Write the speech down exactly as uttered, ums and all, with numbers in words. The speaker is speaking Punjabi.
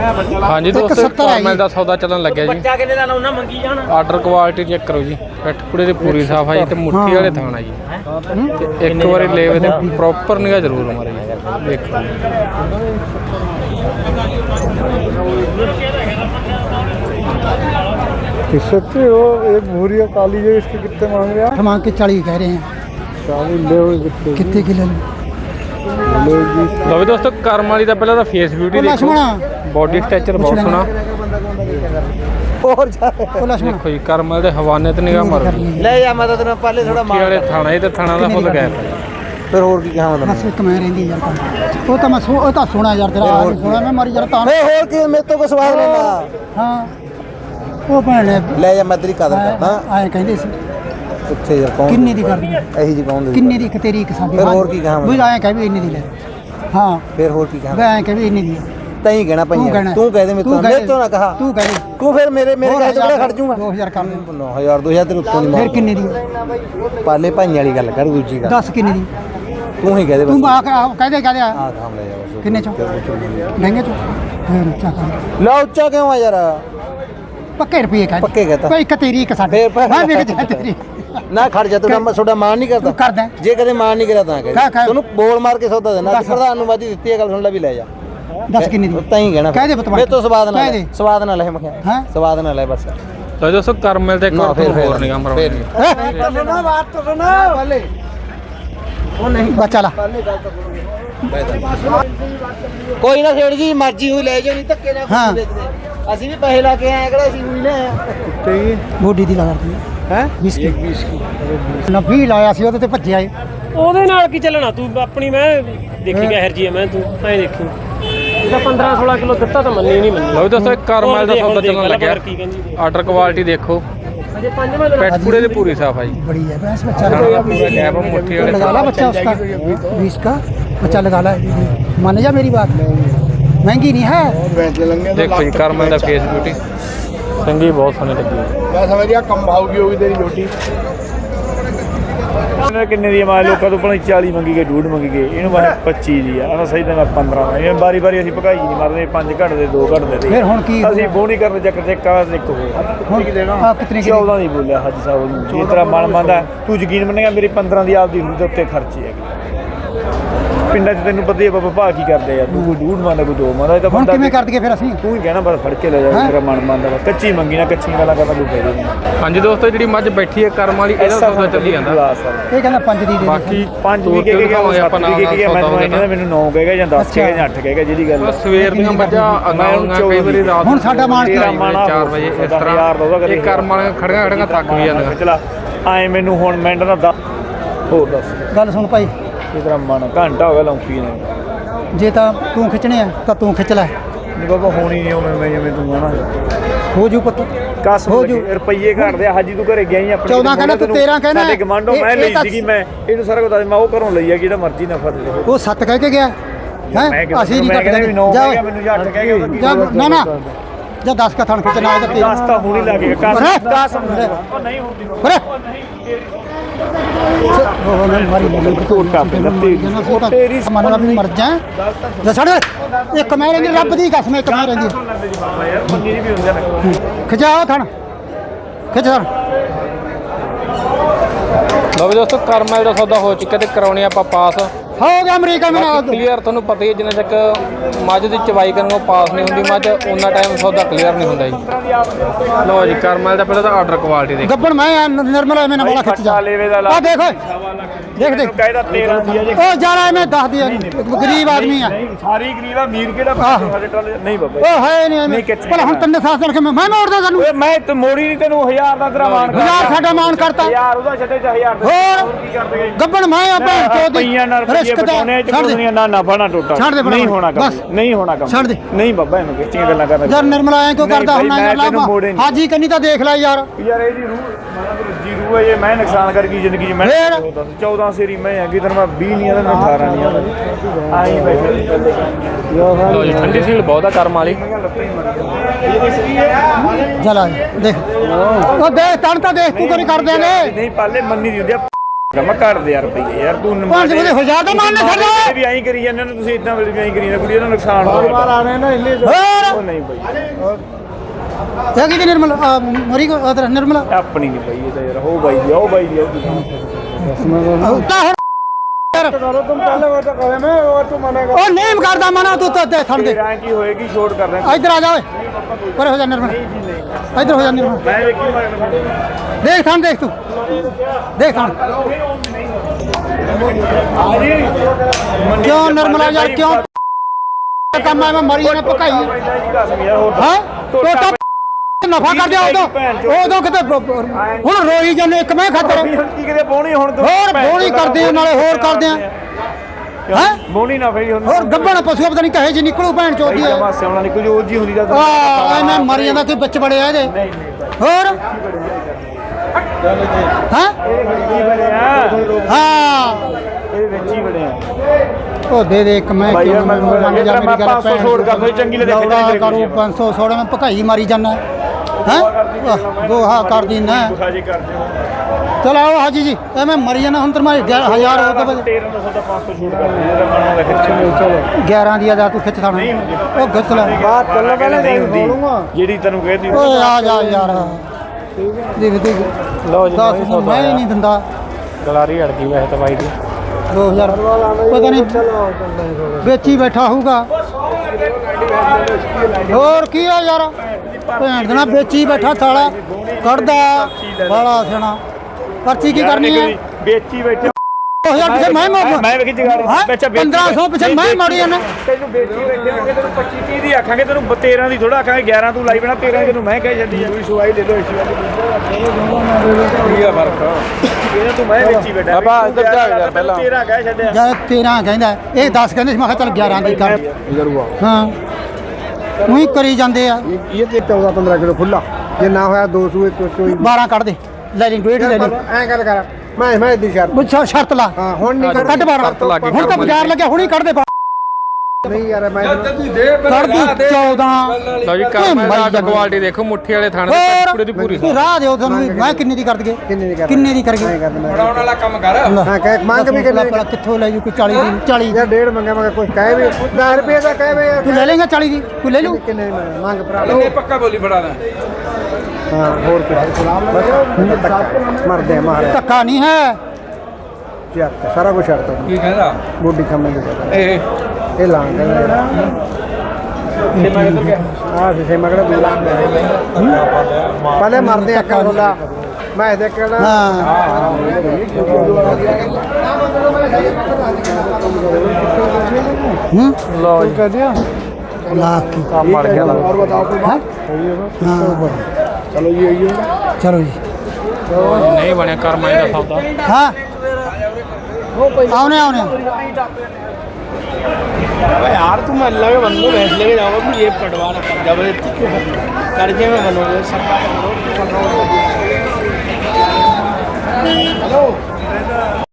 हाँ जी दोस्तों नॉर्मल का सौदा चलन लगे जी आर्डर क्वालिटी चेक करो जी पिठ पूरे पूरी साफ है जी तो मुट्ठी वाले थाना जी एक बार लेवे तो प्रॉपर निगाह जरूर हमारे देखो सच्चे हो एक भूरी और काली है इसके कितने मांग रहे हैं? मांग के चालीस कह रहे हैं। चालीस ले कितने कितने किलो लो भी दोस्तों कर्म वाली का पहले तो फेस ब्यूटी देखो बॉडी स्ट्रक्चर बहुत सोहना और देखो जी कर्म वाले हवाने ते निगाह मारो ले जा मैं तो पहले थोड़ा मुट्ठी वाले थाना ही तो थाना का फुल गया फिर और की क्या मतलब बस एक मैं रहंदी यार वो तो मैं वो तो सुना यार तेरा सुना मैं मरी जरा ता नहीं और की मैं तो को सवाल लेना हां वो भैने ले जा मैं तेरी कदर करदा आए कहंदे सी किथे यार कौन किन्ने दी कर दी एही जी कौन दी किन्ने दी एक तेरी एक साडी फिर और की कहां वो आए कह भी इन्ने दी ले हां फिर और की कहां मैं आए कह भी इन्ने दी तई कहना पई तू कह दे मैं तो मैं तो ना कहा तू कह दे तू फिर मेरे मेरे कहे तो खड़ जाऊंगा दो हज़ार कर दे नौ हज़ार दो हज़ार तेरे उत्तों नहीं फिर किन्ने दी पाले भाई वाली गल कर दूजी का दस किन्ने दी तू ही कह दे तू आ कह दे कह दे हां काम ले जा किन्ने चो महंगे चो फिर अच्छा कर ला उच्चा क्यों आ यार पक्के रुपये कह पक्के कहता कोई एक तेरी एक साडी मैं भी कह तेरी ना खड़ जा तू ना छोटा मान नहीं करता कर दे जे कदे मान नहीं करा ता कह तू बोल मार के सौदा देना प्रधान ਨੂੰ ਵਾਦੀ ਦਿੱਤੀ ਹੈ ਗੱਲ ਸੁਣ ਲੈ ਵੀ ਲੈ ਜਾ दस किन्ने दी ਤਈ ਕਹਿਣਾ ਕਹਿ ਦੇ ਬਤਵਾ ਮੈਂ ਤੋਂ ਸਵਾਦ ਨਾ ਲੈ ਸਵਾਦ ਨਾ ਲੈ ਮੈਂ ਹਾਂ ਸਵਾਦ ਨਾ ਲੈ ਬਸ तो दोस्तों कर्म मिलते और निगाह मारो सुनो बात तो सुनो पहले ਉਹ ਨਹੀਂ बच्चा ला ਕੋਈ ਨਾ ਛੇੜ ਜੀ ਮਰਜ਼ੀ ਹੋਈ ਲੈ ਜਾਓ ਨਹੀਂ ਧੱਕੇ ਨਾਲ ਹਾਂ। ਅਸੀਂ ਵੀ ਪੈਸੇ ਲਾ ਕੇ ਆਏ ਕਿਹੜਾ ਅਸੀਂ ਹੋਈ ਲੈ ਆਏ ਬੋਡੀ ਦੀ ਲਗਾ ਦਿੱਤੀ ਹੈ बीस की बीस की नब्बे ਲਾਇਆ ਸੀ ਉਹਦੇ ਤੇ ਭੱਜਿਆ ਏ ਉਹਦੇ ਨਾਲ ਕੀ ਚੱਲਣਾ ਤੂੰ ਆਪਣੀ ਮੈਂ ਦੇਖੀ ਗਿਆ ਹਰਜੀ ਮੈਂ ਤੂੰ ਐਂ ਦੇਖੀ ਇਹਦਾ ਪੰਦਰਾਂ ਸੋਲਾਂ ਕਿਲੋ ਦਿੱਤਾ ਤਾਂ ਮੰਨੀ ਨਹੀਂ ਮੰਨੀ लो भी दोस्तों कर्म वाले का सौदा चलन लगे ਕੀ ਕਹਿੰਦੀ आर्डर क्वालिटी देखो ਅਜੇ ਪੰਜ ਮੈਂ पिठ पूरे की पूरी साफ है जी बड़ी है भैंस बच्चा थाना का पूरा गैप है मुट्ठी वाले लगा ला बच्चा उसका बीस का बच्चा लगा ला मान जा मेरी बात महंगी नहीं है देखो जी कर्म वाले का फेस ब्यूटी चंगी बहुत सोहनी लगी मैं समझ गया कम भाव की होगी तेरी रोटी ਕਿੰਨੇ ਦੀ ਮਾਲ ਲੋਕਾਂ ਤੋਂ ਪਹਿਲਾਂ ਚਾਲੀ ਮੰਗੀ ਗਏ ਡੂਢ ਮੰਗੀ ਗਏ ਇਹਨੂੰ ਮੈਂ ਪੱਚੀ ਦੀ ਆ ਆਹ ਸਹੀ ਤਾਂ ਮੈਂ ਪੰਦਰਾਂ ਦਾ ਇਹ ਬਾਰੀ ਬਾਰੀ ਅਸੀਂ ਭਗਾਈ ਨਹੀਂ ਮਾਰਦੇ ਪੰਜ ਘੱਟ ਦੇ ਦੋ ਘੱਟ ਦੇ ਫਿਰ ਹੁਣ ਕੀ ਅਸੀਂ ਬੋਣੀ ਕਰਨ ਚੱਕਰ ਤੇ ਕਾਸ ਇੱਕ ਹੋ ਹੁਣ ਕੀ ਦੇਣਾ ਆ ਕਿਤਨੇ ਕੀ ਚੌਦਾਂ ਦੀ ਬੋਲਿਆ ਹਾਜੀ ਸਾਹਿਬ ਨੂੰ ਜਿਸ ਤਰ੍ਹਾਂ ਮਨ ਮੰਨਦਾ ਤੂੰ ਯਕੀਨ ਮੰਨੇਗਾ ਮੇਰੀ ਪੰਦਰਾਂ ਦੀ ਆਪਦੀ ਹੁੰਦੀ ਤੇ ਉੱਤੇ ਖਰਚੀ ਹੈਗੀ ਪਿੰਡਾਂ 'ਚ ਤੈਨੂੰ ਪਤਾ ਹੀ ਬਾਬਾ ਭਾ ਕੀ ਕਰਦੇ ਆ ਤੂੰ ਕੋਈ ਡੂਢ ਮੰਨਦਾ ਕੋਈ ਦੋ ਮੰਨਦਾ ਇਹ ਤਾਂ ਹੁਣ ਬੰਦਾ ਕਿਵੇਂ ਕਰ ਦਈਏ ਫਿਰ ਅਸੀਂ ਤੂੰ ਹੀ ਕਹਿਣਾ ਬਸ ਫੜ ਕੇ ਲੈ ਜਾ ਮੇਰਾ ਮਨ ਮੰਨਦਾ ਵਾ ਕੱਚੀ ਮੰਗੀ ਨਾ ਕੱਚੀ ਗੱਲਾਂ ਕਰਦਾ ਕੋਈ ਫਾਇਦਾ ਨਹੀਂ हाँ जी दोस्तों जी मझ बैठी है कर्म वाली ਇਹਦਾ ਸੌਦਾ ਚੱਲੀ ਜਾਂਦਾ ਇਹ ਕਹਿੰਦਾ ਪੰਜ ਦੀ ਦੇ ਬਾਕੀ ਪੰਜ ਵੀ ਕਹਿ ਗਿਆ ਸੱਤ ਵੀ ਕਹਿ ਗਿਆ ਮੈਨੂੰ ਇਹਨਾਂ ਮੈਨੂੰ ਨੌ ਕਹੇਗਾ ਜਾਂ ਦਸ ਕਹੇਗਾ ਜਾਂ ਅੱਠ ਕਹੇਗਾ ਜਿਹੜੀ ਗੱਲ ਬਸ ਸਵੇਰ ਦੀਆਂ ਮੱਝਾਂ ਅਗਾਉਂਗਾ ਕਈ ਵਾਰੀ ਰਾਤ ਹੁਣ ਸਾਡਾ ਮਾਨ ਚਾਰ ਵਜੇ ਇਸ ਤਰ੍ਹਾਂ ਇਹ ਕਰਮ ਵਾਲੀਆਂ ਖੜੀਆਂ ਖੜੀਆਂ ਥੱਕ ਵੀ ਜਾਂਦੀਆਂ ਚਲਾ ਐ ਮੈਨੂੰ ਹੁਣ ਮਿੰਟ ਦਾ ਦੱਸ ਹੋਰ ਦੱਸ ਗੱਲ ਸੁਣ ਭਾਈ ਇਹ ਤਰ੍ਹਾਂ ਮਨ ਘੰਟਾ ਹੋ ਗਿਆ ਲੌਂਕੀ ਨੇ ਜੇ ਤਾਂ ਤੂੰ ਖਿੱਚਣੇ ਆ ਤਾਂ ਤੂੰ ਖਿੱਚ ਲੈ ਨਹੀਂ ਬਾਬਾ ਹੋਣੀ ਨਹੀਂ ਉਵੇਂ ਮੈਂ ਜਿਵੇਂ ਤੂੰ ਕਹਣਾ ਹੋ ਜੂ ਪੁੱਤ ਕਸ ਹੋ ਜੂ ਰੁਪਈਏ ਘਟਦੇ ਹਾਜੀ ਤੂੰ ਘਰੇ ਗਿਆ ਹੀ ਆਪਣੀ ਚੌਦਾਂ ਕਹਿੰਦਾ ਤੂੰ ਤੇਰਾਂ ਕਹਿੰਦਾ ਸਾਡੇ ਗਮਾਂਡੋ ਮੈਂ ਲਈ ਸੀਗੀ ਮੈਂ ਇਹਨੂੰ ਸਾਰਾ ਕੁਝ ਦੱਸ ਮੈਂ ਉਹ ਘਰੋਂ ਲਈ ਆ ਜਿਹੜਾ ਮਰਜ਼ੀ ਨਾ ਫੜ ਲੈ ਉਹ ਸੱਤ ਕਹਿ ਕੇ ਗਿਆ ਹੈ ਅਸੀਂ ਨਹੀਂ ਕੱਟਦੇ ਜਾ ਮੈਨੂੰ ਅੱਠ ਕਹਿ ਗਿਆ ਨਾ ਨਾ ਜਾਂ ਦਸ ਕਾ ਥਣ ਖਿੱਚਣਾ ਉਹਦਾ ਦਸ ਤਾਂ ਹੋਣੀ ਲੱਗੇ ਕਸ ਦਸ ਉਹ ਨਹੀਂ ਹੁੰਦੀ ਉਹ ਨਾ ਮਾਰੀ ਲੱਗੀ ਕੋਟਾ ਪਹਿਲਾਂ ਤੇਰੀ ਮਨ ਦਾ ਮਰ ਜਾ ਲੈ ਛੱਡ ਇੱਕ ਮੈਂ ਰਹਿੰਦੀ ਰੱਬ ਦੀ ਕਸਮ ਇੱਕ ਮੈਂ ਰਹਿੰਦੀ ਮੰਨੀ ਵੀ ਹੁੰਦੇ ਨੇ ਖਿਚਾਓ ਥਣ ਖਿੱਚ ਥਣ ਲਓ ਵੀ ਦੋਸਤੋ ਕਰਮ ਵਾਲੇ ਦਾ ਸੌਦਾ ਹੋ ਚੁੱਕਾ ਤੇ ਕਰਾਉਣੀ ਆਪਾਂ ਪਾਸ ਹੋ ਗਿਆ ਅਮਰੀਕਾ ਮੈਂ ਕਲੀਅਰ ਤੁਹਾਨੂੰ ਪਤਾ ਹੀ ਹੈ ਜਿੰਨਾ ਤੱਕ ਮੱਝ ਦੀ ਚਵਾਈ ਕਰਨ ਨੂੰ ਪਾਸ ਨਹੀਂ ਹੁੰਦੀ ਮੱਝ ਉਹਨਾਂ ਟਾਈਮ ਸੌਦਾ ਕਲੀਅਰ ਨਹੀਂ ਹੁੰਦਾ ਜੀ ਲਓ ਜੀ ਕਰਮ ਵਾਲੇ ਦਾ ਪਹਿਲਾਂ ਤਾਂ ਆਰਡਰ ਕੁਆਲਿਟੀ ਦੇਖ ਗੱਬਣ ਮੈਂ ਨਿਰਮਲ ਐਵੇਂ ਨਾ ਬੜਾ ਖਿੱਚ ਜਾ ਆ ਦੇਖ ਓਏ ਦੇਖ ਦੇਖ ਕਹਿੰਦਾ ਤੇਰਾਂ ਦੀ ਆ ਜੇ ਉਹ ਜਾਣਾ ਐਵੇਂ ਦੱਸ ਦੀ ਗਰੀਬ ਆਦਮੀ ਆ ਸਾਰੀ ਗਰੀਬ ਆ ਅਮੀਰ ਕਿਹੜਾ ਸਾਡੇ ਟਰਾਲੇ ਨਹੀਂ ਬਾਬਾ ਉਹ ਹੈ ਨਹੀਂ ਐਵੇਂ ਭਲਾ ਹੁਣ ਤੰਨੇ ਸਾਸ ਕਰਕੇ ਮੈਂ ਮੋੜਦਾ ਤੈਨੂੰ ਓਏ ਮੈਂ ਤੇ ਮੋੜੀ ਨਹੀਂ ਤੈਨੂੰ ਹਜ਼ਾਰ ਦਾ ਤੇਰਾ ਮਾਨ ਕਰਦਾ ਹਜ਼ਾਰ ਸਾਡਾ ਮਾਨ ਕਰਤਾ ਯਾਰ ਉਹਦਾ ਛੱਡੇ ਚ ਹਜ਼ਾਰ ਹੋਰ ਕੀ ਕਰਦੇ ਗੱਬਣ ਮੈਂ ਆਪਾਂ ਚੋਦੀ ਪਈਆਂ ਨਾਲ ਰੁਪਈਏ ਬਟਾਉਣੇ ਚ ਕੁੜੀਆਂ ਨਾ ਨਫਾ ਨਾ ਟੋਟਾ ਨਹੀਂ ਹੋਣਾ ਕੰਮ ਨਹੀਂ ਹੋਣਾ ਕੰਮ ਛੱਡ ਦੇ ਨਹੀਂ ਬਾਬਾ ਇਹਨੂੰ ਕਿੱਚੀਆਂ ਗੱਲਾਂ ਕਰਦਾ ਯਾਰ ਨਿਰਮਲ ਆਇਆ ਕਿਉਂ ਕਰਦਾ ਹੁਣ ਯਾਰ ਹਾਜੀ ਕੰਨੀ ਤਾਂ ਦੇਖ ਲੈ ਯਾਰ ਯਾਰ ਇਹਦੀ ਰੂਹ ਜੀ ਰੂਹ ਹੈ ਇਹ ਮੈਂ ਨੁਕਸਾਨ ਕਰ ਗਈ ਜ਼ਿੰਦਗੀ 'ਚ ਮੈਂ ਚੌਦਾਂ ਸੇਰੀ ਮੈਂ ਹੈਗੀ ਤੈਨੂੰ ਮੈਂ ਵੀਹ ਨਹੀਂ ਆਦਾ ਮੈਂ ਅਠਾਰਾਂ ਨਹੀਂ ਆਦਾ ਆਈ ਬੈਠੇ ਲਓ ਜੀ ਠੰਡੀ ਸੀਲ ਬਹੁਤ ਆ ਕਰਮ ਵਾਲੀ ਚਲ ਆ ਦੇਖ ਉਹ ਦੇਖ ਤਣ ਤਾਂ ਦੇਖ ਤੂੰ ਕੋਈ ਕਰਦੇ ਨੇ ਨਹੀਂ ਪਾਲੇ ਮੰਨੀ ਦੀ ਹੁੰਦੀ ਆ ਮੈਂ ਘਰ ਦੇ ਯਾਰ ਰੁਪਈਏ ਯਾਰ ਤੂੰ ਪੰਜ ਵਜੇ ਹੋ ਜਾ ਤਾਂ ਮਾਨ ਛੱਡ ਦੋ ਵੀ ਐਂ ਕਰੀ ਜਾਂਦੇ ਨੇ ਤੁਸੀਂ ਇਦਾਂ ਵੀ ਐਂ ਕਰੀ ਜਾਂਦੇ ਕੁੜੀ ਦਾ ਨੁਕਸਾਨ ਹੋ ਬਾਰ ਆ ਰਹੇ ਨਾ ਇੱਲੇ ਹੋਰ ਉਹ ਨਹੀਂ ਬਈ ਇਹ ਕੀ ਨਿਰਮਲ ਆ, ਮਰੀ ਕੋ ਅਦਰ ਨਿਰਮਲ ਆਪਣੀ ਨਹੀਂ ਬਈ ਇਹ ਤਾਂ ਯਾਰ ਉਹ ਬਾਈ ਦੀ ਉਹ ਬਾਈ ਦੀ ਉਹ ਤਾਂ ਹੁਣ ਕਰੋ ਤੁਮ ਪਹਿਲੇ ਉਹ ਤਾਂ ਕਰੇ ਮੈਂ ਉਹ ਤੂੰ ਮਨਾ ਉਹ ਨਹੀਂ ਕਰਦਾ ਮਨਾ ਤੂੰ ਤਾਂ ਥਣ ਦੇ ਰਾਂ ਕੀ ਹੋਏਗੀ ਛੋਟ ਕਰ ਰਹੇ ਇੱਧਰ ਆ ਜਾ ਓਏ ਪਰੇ ਹੋ ਜਾ ਨਿਰਮਲ ਇੱਧਰ ਹੋ ਜਾ ਨਿਰਮਲ ਮੈਂ ਵੇਖੀ ਮਾਰ ਦੇਖ ਥਣ ਦੇਖ ਤੂੰ ਦੇਖ ਥਣ ਕਿਉਂ ਨਿਰਮਲਾ ਯਾਰ ਕਿਉਂ ਕੰਮ ਆ ਮੈਂ ਮਰੀ ਜਾਣਾ ਭਕਾਈ ਹਾਂ ਟੋਟਾ ਨਫਾ ਕਰ ਦਿਆ ਉਦੋਂ ਉਦੋਂ ਕਿਤੇ ਹੁਣ ਰੋਈ ਜਾਂਦੇ ਇੱਕ ਮੈਂ ਖਾਤਰ ਕੀ ਕਿਤੇ ਬੋਣੀ ਹੁਣ ਤੂੰ ਹੋਰ ਬੋਣੀ ਕਰਦੇ ਆ, ਨਾਲੇ ਹੋਰ ਕਰਦੇ ਆ ਹੈ ਬੋਣੀ ਨਾ ਫੇਰੀ ਹੁਣ ਹੋਰ ਗੱਬਣ ਪਸ਼ੂ ਪਤਾ ਨਹੀਂ ਕਹੇ ਜੀ ਨਿਕਲੂ ਭੈਣ ਚੋਦੀ ਹੈ ਮਾਸੇ ਉਹਨਾਂ ਨਿਕਲ ਜੋ ਜੀ ਹੁੰਦੀ ਦਾ ਆ ਐਵੇਂ ਮਰੀ ਜਾਂਦਾ ਕੋਈ ਵਿੱਚ ਬੜਿਆ ਇਹਦੇ ਹੋਰ ਹਾਂ ਹਾਂ ਇਹ ਵਿੱਚ ਹੀ ਬਣੇ ਆ ਉਹ ਦੇ ਦੇ ਇੱਕ ਮੈਂ ਭਾਈ ਯਾਰ ਮੈਂ ਮੰਨ ਜਾ ਮੇਰੀ ਗੱਲ ਪੰਜ ਸੌ ਛੋੜ ਕਰ ਦੋ ਚੰਗੀ ਲੈ ਦੇਖੇ ਦੌੜਾ ਕਰੂ ਪੰਜ ਸੌ ਛੋੜ ਮੈਂ ਭਕਾਈ ਮਾਰੀ ਜਾਨਾ ਹੈ ਗੋਹਾ ਕਰਦੀ ਨਾ ਬੁਖਾਜੀ ਕਰਦੇ ਹੋ ਚਲ ਆਓ ਹਾਜੀ ਜੀ ਐਵੇਂ ਮਰੀ ਜਾਣਾ ਹੁਣ ਤੇ ਮੈਂ ਹਜ਼ਾਰ ਹੋ ਕੇ ਤੇਰਾਂ ਸੌ ਦਾ ਪੰਜ ਸੌ ਛੋੜ ਕਰ ਦੇ ਜਿਹੜਾ ਮਨੋਂ ਵੇਖ ਚਲੋ ਗਿਆਰਾਂ ਦੀ ਆ ਤੂੰ ਖਿੱਚ ਥਾਣਾ ਉਹ ਖਿੱਚ ਲੈ ਬਾਤ ਚੱਲਣ ਪਹਿਲੇ ਨਹੀਂ ਨਹੀਂ ਹੁੰਦੀ ਬੋਲੂੰਗਾ ਜਿਹੜੀ ਤੈਨੂੰ ਕਹਿਦੀ ਓਏ ਆ ਜਾ ਯਾਰ ਦੇਖ ਦੇਖ ਲਓ ਜੀ ਦਸ ਨੂੰ ਮੈਂ ਹੀ ਨਹੀਂ ਦਿੰਦਾ ਗਲਾਰੀ ਅੜ ਗਈ ਵੈਸੇ ਤਾਂ ਬਾਈ ਦੀ ਦੋ ਹਜ਼ਾਰ ਪਤਾ ਨਹੀਂ ਵੇਚੀ ਬੈਠਾ ਹੋਊਗਾ ਹੋਰ ਕੀ ਆ ਯਾਰ ਭੈਣ ਦੇ ਨਾਲ ਵੇਚੀ ਬੈਠਾ ਥਾਲਾ ਕੱਢਦਾ ਬਾਲਾ ਸਿਆਣਾ ਪਰਚੀ ਕੀ ਕਰਨੀ ਹੈ ਵੇਚੀ ਬੈਠੇ ਦੋ ਹਜ਼ਾਰ ਪਿੱਛੇ ਮੈਂ ਮੋੜ ਮੈਂ ਵੇਖੀ ਜਗਾੜੀ ਵਿੱਚ ਪੰਦਰਾਂ ਸੌ ਪਿੱਛੇ ਮੈਂ ਮੋੜੀ ਜਾਂਦਾ ਤੈਨੂੰ ਵੇਚੀ ਬੈਠੇ ਹੋਗੇ ਤੈਨੂੰ ਪੱਚੀ ਤੀਹ ਦੀ ਆਖਾਂਗੇ ਤੈਨੂੰ ਤੇਰਾਂ ਦੀ ਥੋੜਾ ਆਖਾਂਗੇ ਗਿਆਰਾਂ ਤੂੰ ਲਾਈ ਬਣਾ ਤੇਰਾਂ ਤੈਨੂੰ ਮੈਂ ਕਹਿ ਛੱਡੀ ਕੋਈ ਸਵਾਈ ਲੈ ਲੋ ਇਸ਼ੂ ਕੀ ਆ ਫਰਕ ਇਹਦਾ ਤੂੰ ਮੈਂ ਵੇਚੀ ਬੈਠਾ ਬਾਬਾ ਇੱਧਰ ਜਾ ਯਾਰ ਪਹਿਲਾਂ ਤੇਰਾਂ ਕਹਿ ਛੱਡਿਆ ਜਦ ਤੇਰਾਂ ਕਹਿੰਦਾ ਇਹ ਦਸ ਕਹਿੰਦੇ ਸੀ ਮੈਂ ਕਿਹਾ ਚੱਲ ਗਿਆਰਾਂ ਦੀ ਕਰ ਹਾਂ ਉਹੀ ਕਰੀ ਜਾਂਦੇ ਆ ਇਹ ਤੇ ਚੌਦਾਂ ਪੰਦਰਾਂ ਕਿਲੋ ਖੁੱਲਾ ਜੇ ਨਾ ਹੋਇਆ ਦੋ ਸੂਏ ਚੋਈ ਬਾਰਾਂ ਕੱਢ ਦੇ ਲੈ ਲਈ ਡੇਢ ਲੈ ਲਈ ਐ ਗੱਲ ਕਰ ਮੈਂ ਮੈਂ ਦੀ ਸ਼ਰਤ ਬੁੱਛਾ ਸ਼ਰਤ ਲਾ ਹਾਂ ਹੁਣ ਨਹੀਂ ਕੱਢ ਬਾਰਾਂ ਹੁਣ ਤਾਂ ਬਾਜ਼ਾਰ ਲੱਗਿਆ ਹੁਣੀ ਕੱਢ ਦੇ ਨਹੀਂ ਯਾਰ ਮੈਂ ਕੱਢ ਦੀ ਚੌਦਾਂ ਲਓ ਜੀ ਕਰਮਾ ਦਾ ਅੱਡ ਕੁਆਲਿਟੀ ਦੇਖੋ ਮੁੱਠੀ ਵਾਲੇ ਥਾਣੇ ਦੇ ਕੁੜੇ ਦੀ ਪੂਰੀ ਤੂੰ ਰਾਹ ਦਿਓ ਤੁਹਾਨੂੰ ਮੈਂ ਕਿੰਨੇ ਦੀ ਕਰ ਦਈਏ ਕਿੰਨੇ ਦੀ ਕਰ ਕਿੰਨੇ ਦੀ ਕਰ ਗਏ ਬਣਾਉਣ ਵਾਲਾ ਕੰਮ ਕਰ ਹਾਂ ਕਹਿ ਮੰਗ ਵੀ ਕਿੰਨੇ ਭਲਾ ਕਿੱਥੋਂ ਲੈ ਜੂ ਕੋਈ ਚਾਲੀ ਦੀ ਚਾਲੀ ਦੀ ਯਾਰ ਡੇਢ ਮੰਗਿਆ ਮੈਂ ਕੁਝ ਕਹਿ ਵੀ ਦਸ ਰੁਪਏ ਦਾ ਕਹਿ ਵੀ ਤੂੰ ਲੈ ਲੇਗਾ ਚਾਲੀ ਦੀ ਤੂੰ ਲੈ ਲੂ ਕਿੰਨੇ ਦੀ ਮੰਗ ਭਰਾ ਲਓ ਪੱਕਾ ਬੋਲੀ ਫੜਾ ਲੈ ਹਾਂ ਹੋਰ ਕੁਝ ਬਸ ਮਰਦੇ ਮਾਰ ਧੱਕਾ ਨਹੀਂ ਹੈ ਸ਼ਰਤ ਸਾਰਾ ਕੁਝ ਸ਼ਰਤ ਕੀ ਕਹਿੰਦਾ ਬੋਡੀ ਖੰਮੇ ਇਹ ਇਹ ਲਾਂਗ ਤੇ ਮੈਂ ਕਿੱਧਰ ਗਿਆ ਆ ਸੇ ਮਗੜਾ ਦੂਲਾ ਪਹਿਲੇ ਮਰਦੇ ਅੱਕਾ ਹੁੰਦਾ ਮੈਂ ਦੇਖ ਕੇ ਨਾ ਹਾਂ ਹੂੰ ਲਓ ਜੀ ਕਹਦਿਆ ਲਾ ਕੀ ਕੰਮ ਮੜ ਗਿਆ ਲਾ और बताओ कोई ਹਾਂ हाँ चलो ये यही ਚਲੋ ਜੀ ਨਹੀਂ ਬਣਿਆ ਕਰਮਾ ਦਾ ਸੌਦਾ ਹਾਂ ਆਉਣੇ ਆਉਣੇ यार तुम अल्लाह के बंदो भैंस लेके जाओ तुम ये कटवाना कर जबरदस्ती क्यों कर्जे में बनोगे सरकार हेलो